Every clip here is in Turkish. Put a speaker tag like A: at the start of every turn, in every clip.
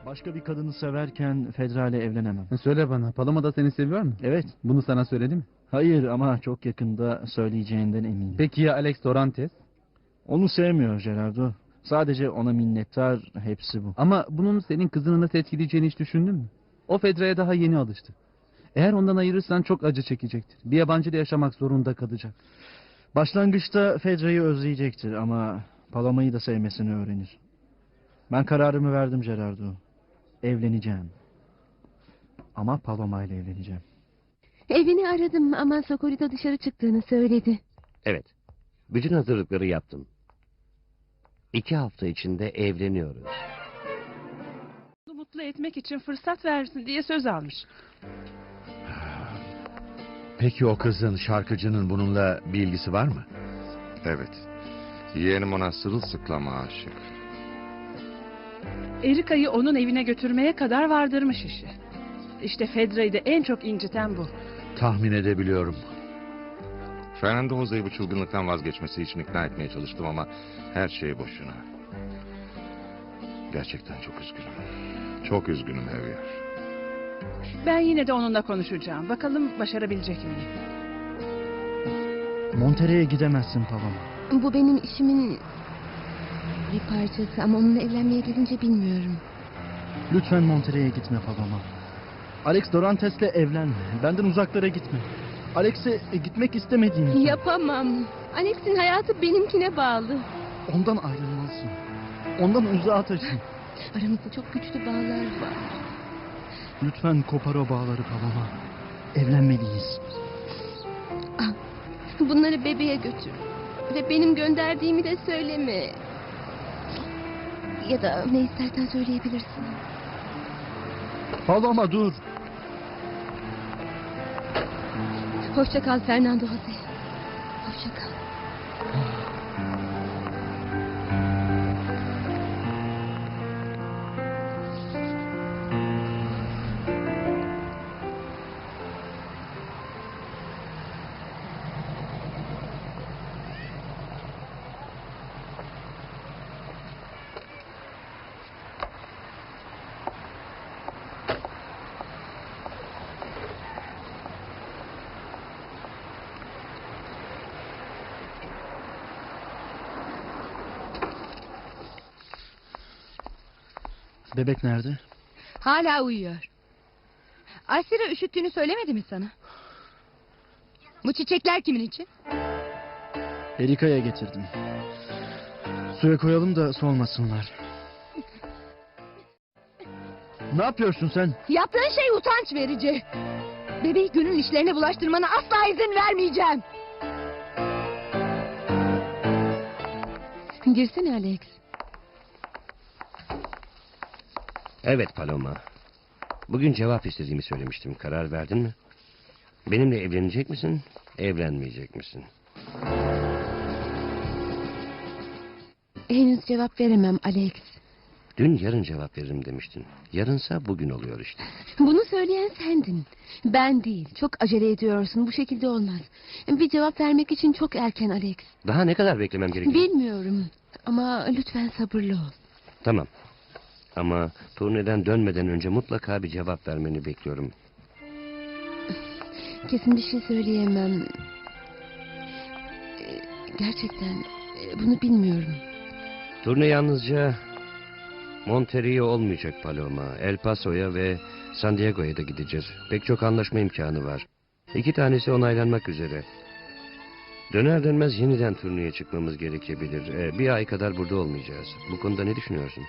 A: Başka bir kadını severken Fedra ile evlenemem.
B: Söyle bana, Paloma da seni seviyor mu?
A: Evet.
B: Bunu sana söyledi mi?
A: Hayır ama çok yakında söyleyeceğinden eminim.
B: Peki ya Alex Dorantes?
A: Onu sevmiyor Gerardo. Sadece ona minnettar, hepsi bu.
B: Ama bunun senin kızını nasıl etkileyeceğini hiç düşündün mü? O Fedra'ya daha yeni alıştı. Eğer ondan ayırırsan çok acı çekecektir. Bir yabancıyla yaşamak zorunda kalacak.
A: Başlangıçta Fedra'yı özleyecektir ama Paloma'yı da sevmesini öğrenir. Ben kararımı verdim Gerardo. Evleneceğim. Ama Paloma ile evleneceğim.
C: Evini aradım ama Socorita dışarı çıktığını söyledi.
D: Evet. Bütün hazırlıkları yaptım. 2 hafta içinde evleniyoruz.
E: Onu mutlu etmek için fırsat versin diye söz almış.
F: Peki o kızın, şarkıcının bununla bir ilgisi var mı?
G: Evet. Yeğenim ona sırılsıklama aşık.
E: Erika'yı onun evine götürmeye kadar vardırmış işi. İşte Fedra'yı da en çok inciten bu.
F: Tahmin edebiliyorum.
G: Fernando Jose'yi bu çılgınlıktan vazgeçmesi için ikna etmeye çalıştım ama her şey boşuna. Gerçekten çok üzgünüm. Çok üzgünüm Javier.
E: Ben yine de onunla konuşacağım. Bakalım başarabilecek miyim?
A: Monterrey'e gidemezsin Paloma.
C: Bu benim işimin bir parçası ama onunla evlenmeye gidince bilmiyorum.
A: Lütfen Monterrey'e gitme Paloma. Alex Dorantes'le evlenme. Benden uzaklara gitme. Alex'e gitmek istemediğim için.
C: Yapamam. Alex'in hayatı benimkine bağlı.
A: Ondan ayrılmalısın. Ondan uzağa taşın.
C: Aramızda çok güçlü bağlar var.
A: Lütfen kopar o bağları Paloma. Evlenmeliyiz.
C: Al, bunları bebeğe götür. Ve benim gönderdiğimi de söyleme. Ya da ne istersen söyleyebilirsin.
A: Paloma dur.
C: Hoşça kal Fernando Jose. Hoşça kal.
A: Bebek nerede?
H: Hala uyuyor. Aysira üşüttüğünü söylemedi mi sana? Bu çiçekler kimin için?
A: Erika'ya getirdim. Suya koyalım da solmasınlar. Ne yapıyorsun sen?
H: Yaptığın şey utanç verici. Bebeği gönül işlerine bulaştırmana asla izin vermeyeceğim.
C: Girsene Alex.
D: Evet Paloma. Bugün cevap istediğimi söylemiştim. Karar verdin mi? Benimle evlenecek misin? Evlenmeyecek misin?
C: Henüz cevap veremem Alex.
D: Dün yarın cevap veririm demiştin. Yarınsa bugün oluyor işte.
C: Bunu söyleyen sendin. Ben değil. Çok acele ediyorsun. Bu şekilde olmaz. Bir cevap vermek için çok erken Alex.
D: Daha ne kadar beklemem gerekiyor?
C: Bilmiyorum. Ama lütfen sabırlı ol.
D: Tamam. Ama turneden dönmeden önce mutlaka bir cevap vermeni bekliyorum.
C: Kesin bir şey söyleyemem. Gerçekten bunu bilmiyorum.
D: Turne yalnızca Monterrey'e olmayacak Paloma. El Paso'ya ve San Diego'ya da gideceğiz. Pek çok anlaşma imkanı var. 2 tanesi onaylanmak üzere. Döner dönmez yeniden turneye çıkmamız gerekebilir. 1 ay kadar burada olmayacağız. Bu konuda ne düşünüyorsun?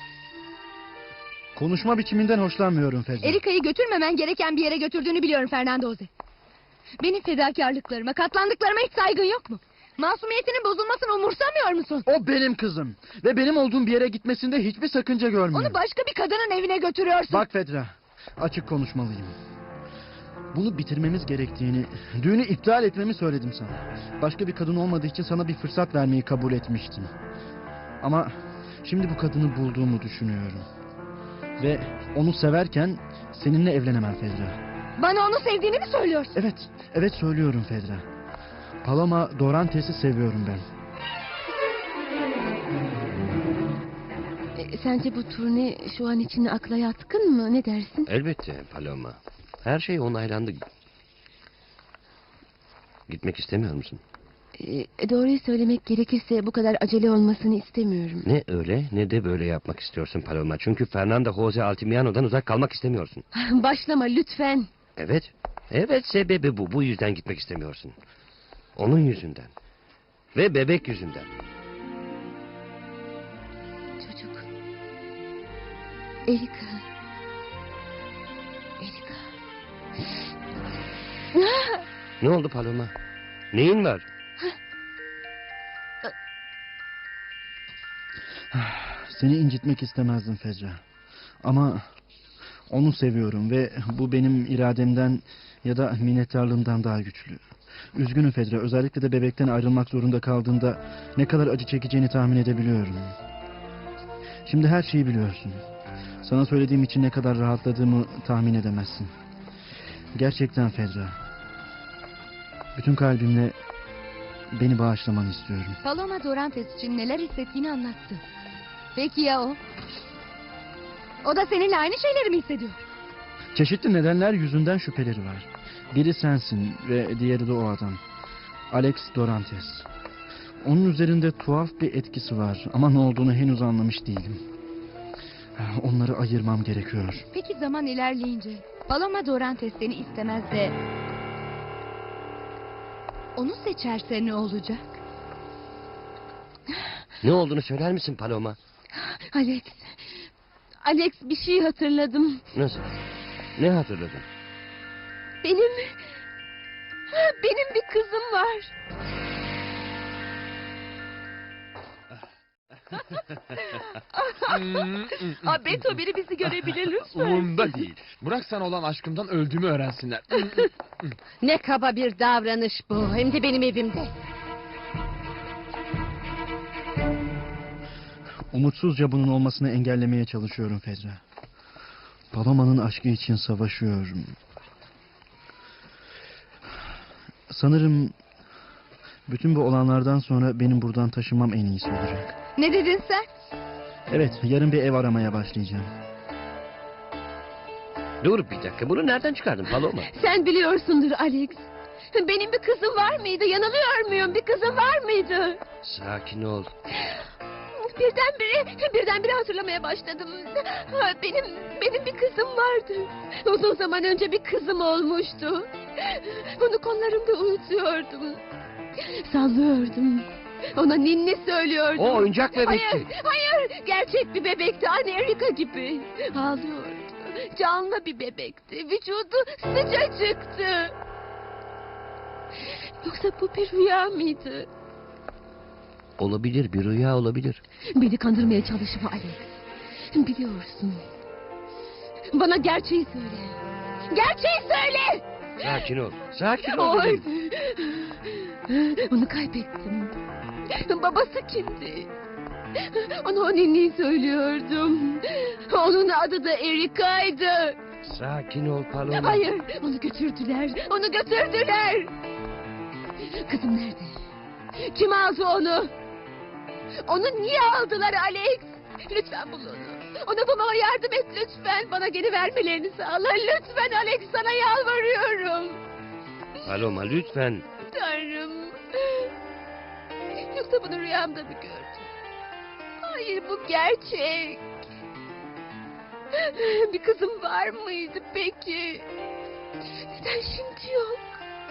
A: Konuşma biçiminden hoşlanmıyorum Fedra.
H: Erika'yı götürmemen gereken bir yere götürdüğünü biliyorum Fernando Jose. Benim fedakarlıklarıma, katlandıklarıma hiç saygın yok mu? Masumiyetinin bozulmasını umursamıyor musun?
A: O benim kızım. Ve benim olduğum bir yere gitmesinde hiçbir sakınca görmüyorum.
H: Onu başka bir kadının evine götürüyorsun.
A: Bak Fedra, açık konuşmalıyım. Bunu bitirmemiz gerektiğini, düğünü iptal etmemi söyledim sana. Başka bir kadın olmadığı için sana bir fırsat vermeyi kabul etmiştim. Ama şimdi bu kadını bulduğumu düşünüyorum. Ve onu severken seninle evlenemem Fedra.
H: Bana onu sevdiğini mi söylüyorsun?
A: Evet söylüyorum Fedra. Paloma Dorantes'i seviyorum ben.
C: Sence bu turne şu an için akla yatkın mı? Ne dersin?
D: Elbette Paloma. Her şey onaylandı. Gitmek istemiyor musun?
C: Doğruyu söylemek gerekirse bu kadar acele olmasını istemiyorum.
D: Ne öyle ne de böyle yapmak istiyorsun Paloma. Çünkü Fernando Jose Altimiano'dan uzak kalmak istemiyorsun.
C: Başlama lütfen.
D: Evet. Evet, sebebi bu. Bu yüzden gitmek istemiyorsun. Onun yüzünden. Ve bebek yüzünden.
C: Çocuk. Erika. Erika.
D: Ne oldu Paloma? Neyin var?
A: Seni incitmek istemezdim Fedra. Ama onu seviyorum ve bu benim irademden ya da minnettarlığımdan daha güçlü. Üzgünüm Fedra. Özellikle de bebekten ayrılmak zorunda kaldığında ne kadar acı çekeceğini tahmin edebiliyorum. Şimdi her şeyi biliyorsun. Sana söylediğim için ne kadar rahatladığımı tahmin edemezsin. Gerçekten Fedra. Bütün kalbimle beni bağışlamanı istiyorum.
H: Paloma Dorantes için neler hissettiğini anlattı. Peki ya o? O da seninle aynı şeyleri mi hissediyor?
A: Çeşitli nedenler yüzünden şüpheleri var. Biri sensin ve diğeri de o adam. Alex Dorantes. Onun üzerinde tuhaf bir etkisi var ama ne olduğunu henüz anlamış değilim. Onları ayırmam gerekiyor.
H: Peki zaman ilerleyince Paloma Dorantes seni istemez de onu seçerse ne olacak?
D: Ne olduğunu söyler misin Paloma?
C: Alex. Alex, bir şey hatırladım.
D: Nasıl? Ne hatırladın?
C: Benim bir kızım var. Beto, biri bizi görebilir lütfen.
I: Umurumda değil. Bırak sana olan aşkımdan öldüğümü öğrensinler.
J: Ne kaba bir davranış bu. Hem de benim evimde.
A: Umutsuzca bunun olmasını engellemeye çalışıyorum Fedra. Paloma'nın aşkı için savaşıyorum. Sanırım bütün bu olanlardan sonra benim buradan taşınmam en iyisi olacak.
H: Ne dedin sen?
A: Evet, yarın bir ev aramaya başlayacağım.
D: Dur bir dakika, bunu nereden çıkardın Paloma?
C: Sen biliyorsundur Alex. Benim bir kızım var mıydı? Yanılıyor muyum? Bir kızım var mıydı?
D: Sakin ol.
C: Birdenbire hatırlamaya başladım. Benim bir kızım vardı. Uzun zaman önce bir kızım olmuştu. Onu kollarımda unutuyordum. Sallıyordum. Ona ninni söylüyordum.
D: O oyuncak bebekti.
C: Hayır, gerçek bir bebekti. Anne Erika gibi. Ağlıyordu. Canlı bir bebekti. Vücudu sıcacıktı. Yoksa bu bir rüya mıydı?
D: Olabilir, bir rüya olabilir.
C: Beni kandırmaya çalışma Alex. Biliyorsun. Bana gerçeği söyle. Gerçeği söyle!
D: Sakin ol, sakin ol dedim.
C: Onu kaybettim. Babası kimdi? Ona o ninniyi söylüyordum. Onun adı da Erika'ydı.
D: Sakin ol Paloma.
C: Hayır, onu götürdüler. Onu götürdüler. Kızım nerede? Kim aldı onu? Onu niye aldılar Alex? Lütfen bul onu. Onu bulmama yardım et lütfen. Bana geri vermelerini sağla. Lütfen Alex, sana yalvarıyorum.
D: Paloma lütfen.
C: Tanrım. Yoksa bunu rüyamda mı gördüm? Hayır, bu gerçek. Bir kızım var mıydı peki? Neden şimdi yok?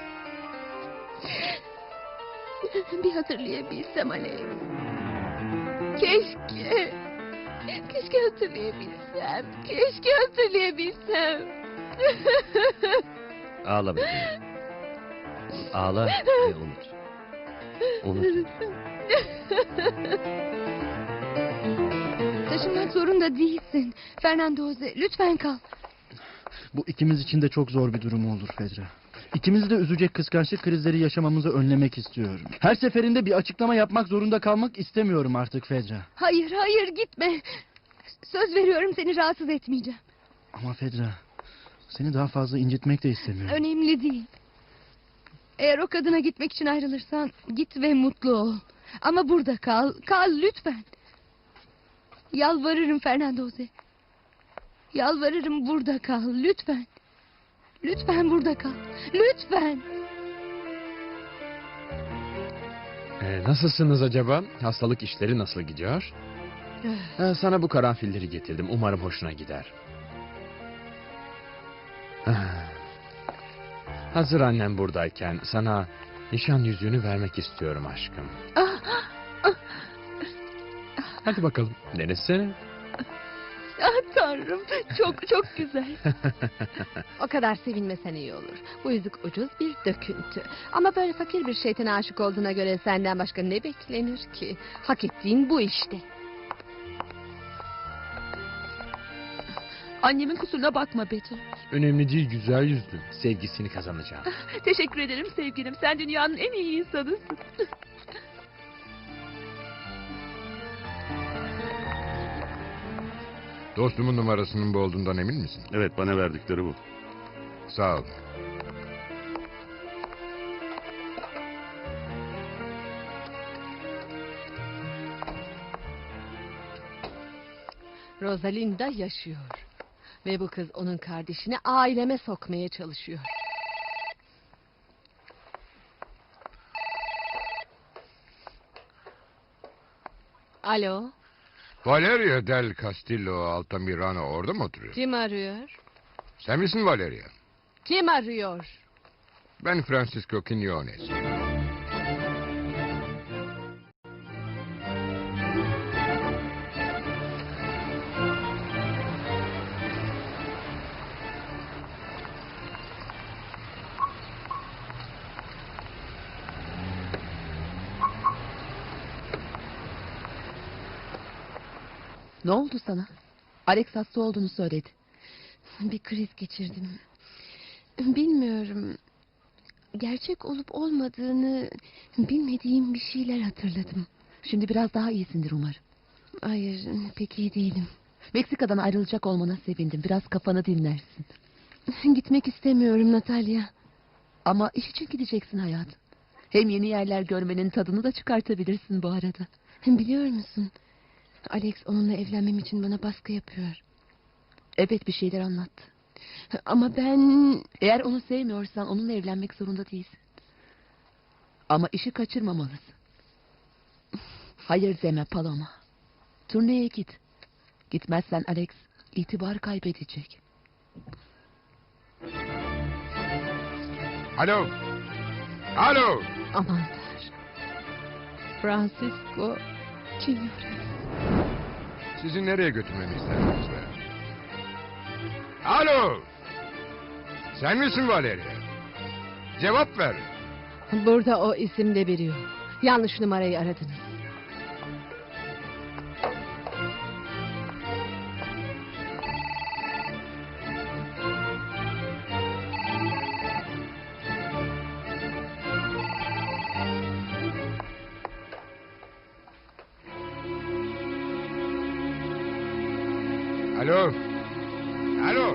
C: Bir hatırlayabilsem Alex. Keşke hatırlayabilsem. Keşke hatırlayabilsem.
D: Ağla bebeğim. Ağla ve unut. Unut.
H: Taşınmak zorunda değilsin. Fernando Jose, lütfen kal.
A: Bu ikimiz için de çok zor bir durum olur Fedra. İkimizi de üzecek kıskançlık krizleri yaşamamızı önlemek istiyorum. Her seferinde bir açıklama yapmak zorunda kalmak istemiyorum artık Fedra.
H: Hayır gitme. Söz veriyorum, seni rahatsız etmeyeceğim.
A: Ama Fedra, seni daha fazla incitmek de istemiyorum.
H: Önemli değil. Eğer o kadına gitmek için ayrılırsan git ve mutlu ol. Ama burada kal. Kal lütfen. Yalvarırım Fernando Jose. Yalvarırım burada kal lütfen. Lütfen burada kal. Lütfen.
I: Nasılsınız acaba? Hastalık işleri nasıl gidiyor? Sana bu karanfilleri getirdim. Umarım hoşuna gider. Hazır annem buradayken sana nişan yüzüğünü vermek istiyorum aşkım. Hadi bakalım denesene.
C: Ah tanrım, çok çok güzel.
J: O kadar sevinmesen iyi olur. Bu yüzük ucuz bir döküntü. Ama böyle fakir bir şeytana aşık olduğuna göre senden başka ne beklenir ki? Hak ettiğin bu işte.
C: Annemin kusuruna bakma Betty.
I: Önemli değil, güzel yüzlü. Sevgisini kazanacağım.
C: Teşekkür ederim sevgilim. Sen dünyanın en iyi insanısın.
G: Dostumun numarasının bu olduğundan emin misin?
K: Evet, bana verdikleri bu.
G: Sağ ol.
J: Rosalinda yaşıyor. Ve bu kız onun kardeşini aileme sokmaya çalışıyor. Alo,
G: Valeria del Castillo Altamirano orada mı oturuyor?
J: kim arıyor?
G: Sen misin Valeria?
J: Kim arıyor?
G: Ben Francisco Quiñones.
L: Ne oldu sana? Alex hasta olduğunu söyledi.
H: Bir kriz geçirdim. Bilmiyorum. Gerçek olup olmadığını bilmediğim bir şeyler hatırladım.
L: Şimdi biraz daha iyisindir umarım.
H: Hayır, pek iyi değilim.
L: Meksika'dan ayrılacak olmana sevindim. Biraz kafanı dinlersin.
H: Gitmek istemiyorum Natalya.
L: Ama iş için gideceksin hayatım. Hem yeni yerler görmenin tadını da çıkartabilirsin bu arada.
H: Biliyor musun? Alex onunla evlenmem için bana baskı yapıyor.
L: Evet, bir şeyler anlattı.
H: Ama ben...
L: Eğer onu sevmiyorsan onunla evlenmek zorunda değilsin. Ama işi kaçırmamalısın. Hayır deme Paloma. Turneye git. Gitmezsen Alex itibar kaybedecek.
G: Alo. Alo.
H: Aman Tanrım. Francisco Quiñones.
G: Sizi nereye götürmemi istersiniz be? Alo. Sen misin Valeria? Cevap ver.
J: Burada o isimde biri yok. Yanlış numarayı aradınız.
G: Alo. Alo.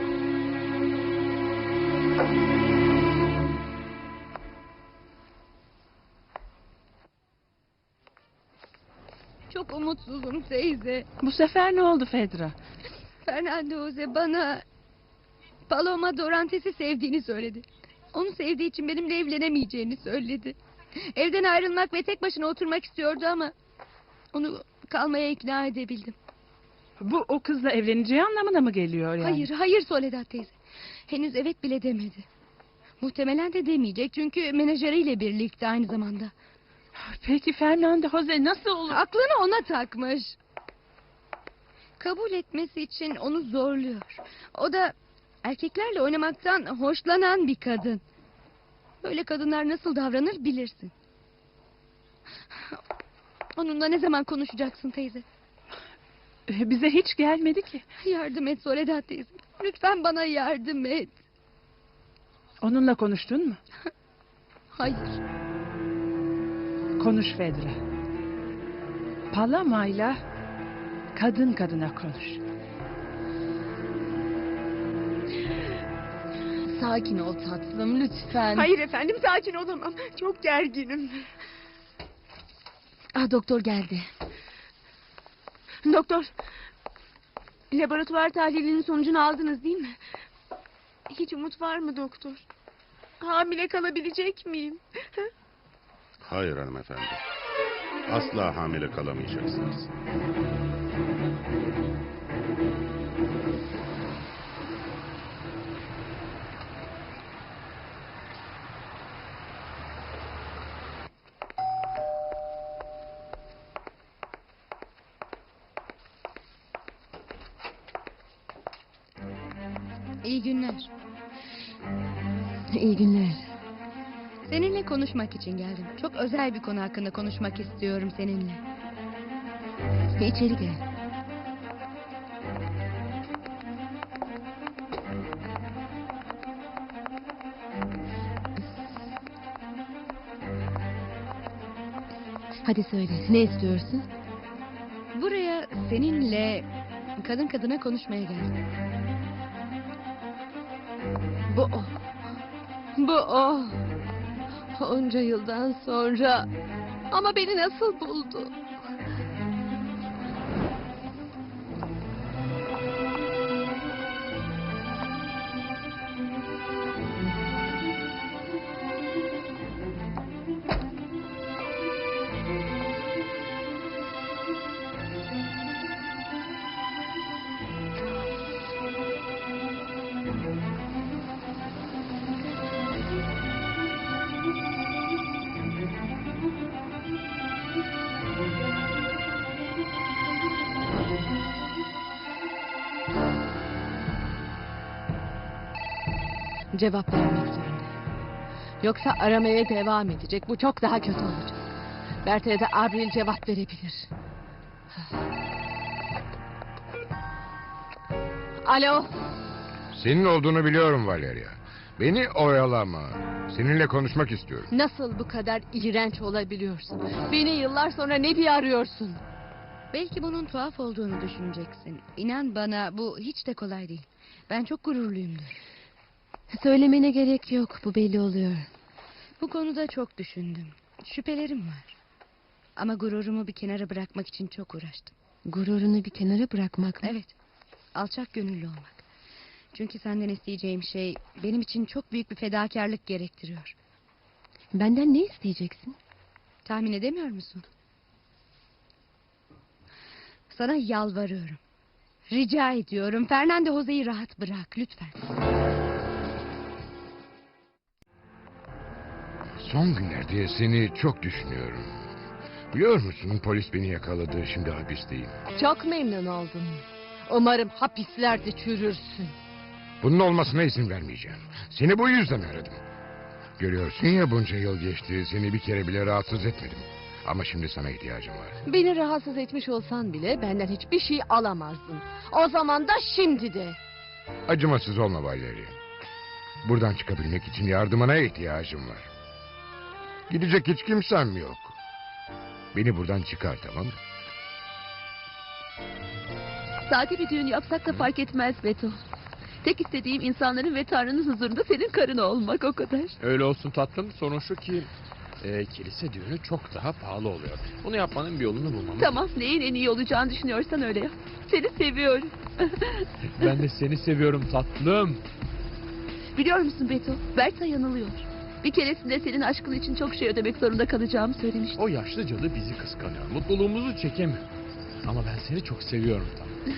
H: Çok umutsuzum teyze.
E: Bu sefer ne oldu Fedra?
H: Fernando Jose bana Paloma Dorantes'i sevdiğini söyledi. Onu sevdiği için benimle evlenemeyeceğini söyledi. Evden ayrılmak ve tek başına oturmak istiyordu ama onu kalmaya ikna edebildim.
E: Bu o kızla evleneceği anlamına mı geliyor yani?
H: Hayır, hayır Soledad teyze. Henüz evet bile demedi. Muhtemelen de demeyecek çünkü menajeriyle birlikte aynı zamanda.
E: Peki Fernando Jose nasıl olur?
H: Aklını ona takmış. Kabul etmesi için onu zorluyor. O da erkeklerle oynamaktan hoşlanan bir kadın. Böyle kadınlar nasıl davranır bilirsin. Onunla ne zaman konuşacaksın teyze?
E: Bize hiç gelmedi ki.
H: Yardım et Soledad teyze. Lütfen bana yardım et.
E: Onunla konuştun mu?
H: Hayır.
E: Konuş Fedra. Palama'yla kadın kadına konuş.
H: Sakin ol tatlım lütfen.
C: Hayır efendim, sakin olamam. Çok gerginim.
H: Ah, doktor geldi.
C: Doktor, laboratuvar tahlilinin sonucunu aldınız değil mi? Hiç umut var mı doktor? Hamile kalabilecek miyim?
K: Hayır hanımefendi. Asla hamile kalamayacaksınız.
H: İyi günler.
J: İyi günler.
H: Seninle konuşmak için geldim. Çok özel bir konu hakkında konuşmak istiyorum seninle.
J: İçeri gel. Hadi söyle, ne istiyorsun?
H: Buraya seninle kadın kadına konuşmaya geldim.
J: Bu o. Bu o. Onca yıldan sonra. Ama beni nasıl buldu? Cevap vermek zorunda. Yoksa aramaya devam edecek. Bu çok daha kötü olacak. Berta'ya da Abril cevap verebilir. Alo.
G: Senin olduğunu biliyorum Valeria. Beni oyalama. Seninle konuşmak istiyorum.
J: Nasıl bu kadar iğrenç olabiliyorsun? Beni yıllar sonra ne diye arıyorsun?
H: Belki bunun tuhaf olduğunu düşüneceksin. İnan bana bu hiç de kolay değil. Ben çok gururluyumdur.
J: Söylemene gerek yok. Bu belli oluyor.
H: Bu konuda çok düşündüm. Şüphelerim var. Ama gururumu bir kenara bırakmak için çok uğraştım.
J: Gururunu bir kenara bırakmak mı?
H: Evet. Alçak gönüllü olmak. Çünkü senden isteyeceğim şey benim için çok büyük bir fedakarlık gerektiriyor.
J: Benden ne isteyeceksin?
H: Tahmin edemiyor musun? Sana yalvarıyorum. Rica ediyorum. Fernando Jose'yi rahat bırak lütfen.
G: Son günlerde seni çok düşünüyorum. Biliyor musun, polis beni yakaladı. Şimdi hapisteyim.
J: Çok memnun oldum. Umarım hapislerde çürürsün.
G: Bunun olmasına izin vermeyeceğim. Seni bu yüzden aradım. Görüyorsun ya, bunca yıl geçti. Seni bir kere bile rahatsız etmedim. Ama şimdi sana ihtiyacım var.
J: Beni rahatsız etmiş olsan bile benden hiçbir şey alamazdın. O zaman da şimdi de.
G: Acımasız olma Valeria. Buradan çıkabilmek için yardımına ihtiyacım var. Gidecek hiç kimsem yok. Beni buradan çıkar, tamam mı?
L: Sade bir düğün yapsak da fark etmez Beto. Tek istediğim insanların ve Tanrı'nın huzurunda senin karın olmak, o kadar.
I: Öyle olsun tatlım. Sorun şu ki kilise düğünü çok daha pahalı oluyor. Bunu yapmanın bir yolunu bulmamız.
L: Tamam, neyin en iyi olacağını düşünüyorsan öyle yap. Seni seviyorum.
I: Ben de seni seviyorum tatlım.
L: Biliyor musun Beto, Berta yanılıyor. Bir keresinde senin aşkın için çok şey ödemek zorunda kalacağımı söylemişti.
I: O yaşlı cadı bizi kıskanıyor. Mutluluğumuzu çekemiyor. Ama ben seni çok seviyorum tatlım.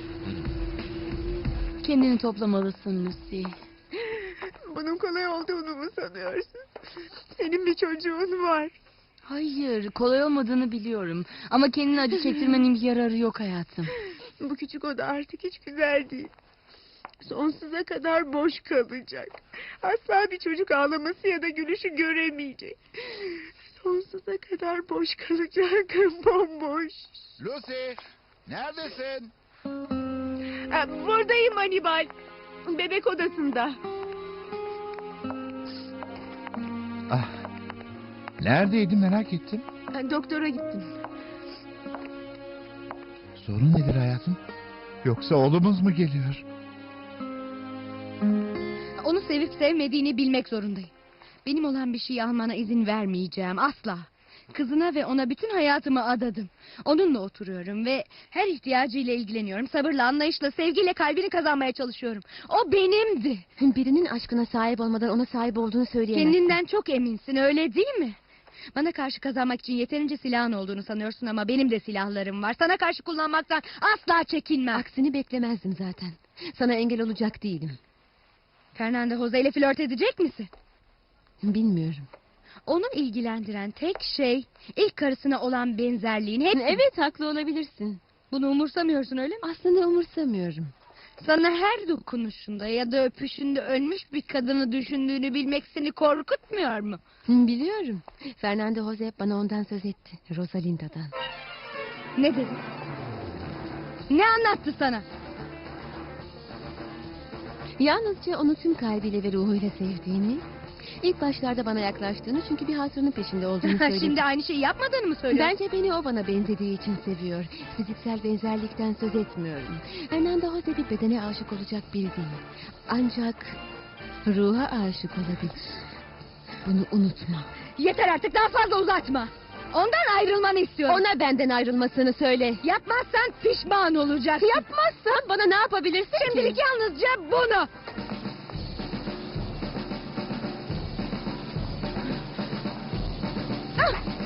L: Kendini toplamalısın Lucy.
C: Bunun kolay olduğunu mu sanıyorsun? Senin bir çocuğun var.
L: Hayır, kolay olmadığını biliyorum. Ama kendini acı çektirmenin bir yararı yok hayatım.
C: Bu küçük oda artık hiç güzel değil. Sonsuza kadar boş kalacak. Asla bir çocuk ağlaması ya da gülüşü göremeyecek. Sonsuza kadar boş kalacak. Bomboş.
M: Lucy, neredesin?
C: Buradayım Hannibal. Bebek odasında.
M: Ah, neredeydin merak ettim.
C: Doktora gittim.
M: Sorun nedir hayatım? Yoksa oğlumuz mu geliyor?
H: Onu sevip sevmediğini bilmek zorundayım. Benim olan bir şeyi almana izin vermeyeceğim asla. Kızına ve ona bütün hayatımı adadım. Onunla oturuyorum ve her ihtiyacıyla ilgileniyorum. Sabırla, anlayışla, sevgiyle kalbini kazanmaya çalışıyorum. O benimdi.
J: Birinin aşkına sahip olmadan ona sahip olduğunu söyleyemezsin.
H: Kendinden çok eminsin, öyle değil mi? Bana karşı kazanmak için yeterince silahın olduğunu sanıyorsun ama benim de silahlarım var. Sana karşı kullanmaktan asla çekinmem.
J: Aksini beklemezdim zaten. Sana engel olacak değilim.
H: Fernando Jose ile flört edecek misin?
J: Bilmiyorum.
H: Onu ilgilendiren tek şey ilk karısına olan benzerliğin. Hepsi.
J: Evet, haklı olabilirsin.
H: Bunu umursamıyorsun öyle mi?
J: Aslında umursamıyorum.
H: Sana her dokunuşunda ya da öpüşünde ölmüş bir kadını düşündüğünü bilmek seni korkutmuyor mu?
J: Biliyorum. Fernando Jose bana ondan söz etti. Rosalinda'dan.
H: Ne dedi? Ne anlattı sana?
J: Yalnızca onu tüm kalbiyle ve ruhuyla sevdiğini... İlk başlarda bana yaklaştığını çünkü bir hatırının peşinde olduğunu söyledi.
H: Şimdi aynı şeyi yapmadığını mı söylüyorsun?
J: Bence beni o bana benzediği için seviyor. Fiziksel benzerlikten söz etmiyorum. Fernando Jose bir bedene aşık olacak biri değil. Ancak ruha aşık olabilir. Bunu unutma.
H: Yeter artık, daha fazla uzatma. Ondan ayrılmanı istiyorum.
J: Ona benden ayrılmasını söyle.
H: Yapmazsan pişman olacaksın.
J: Yapmazsan bana ne yapabilirsin
H: Şimdilik
J: ki?
H: yalnızca bunu. Ah!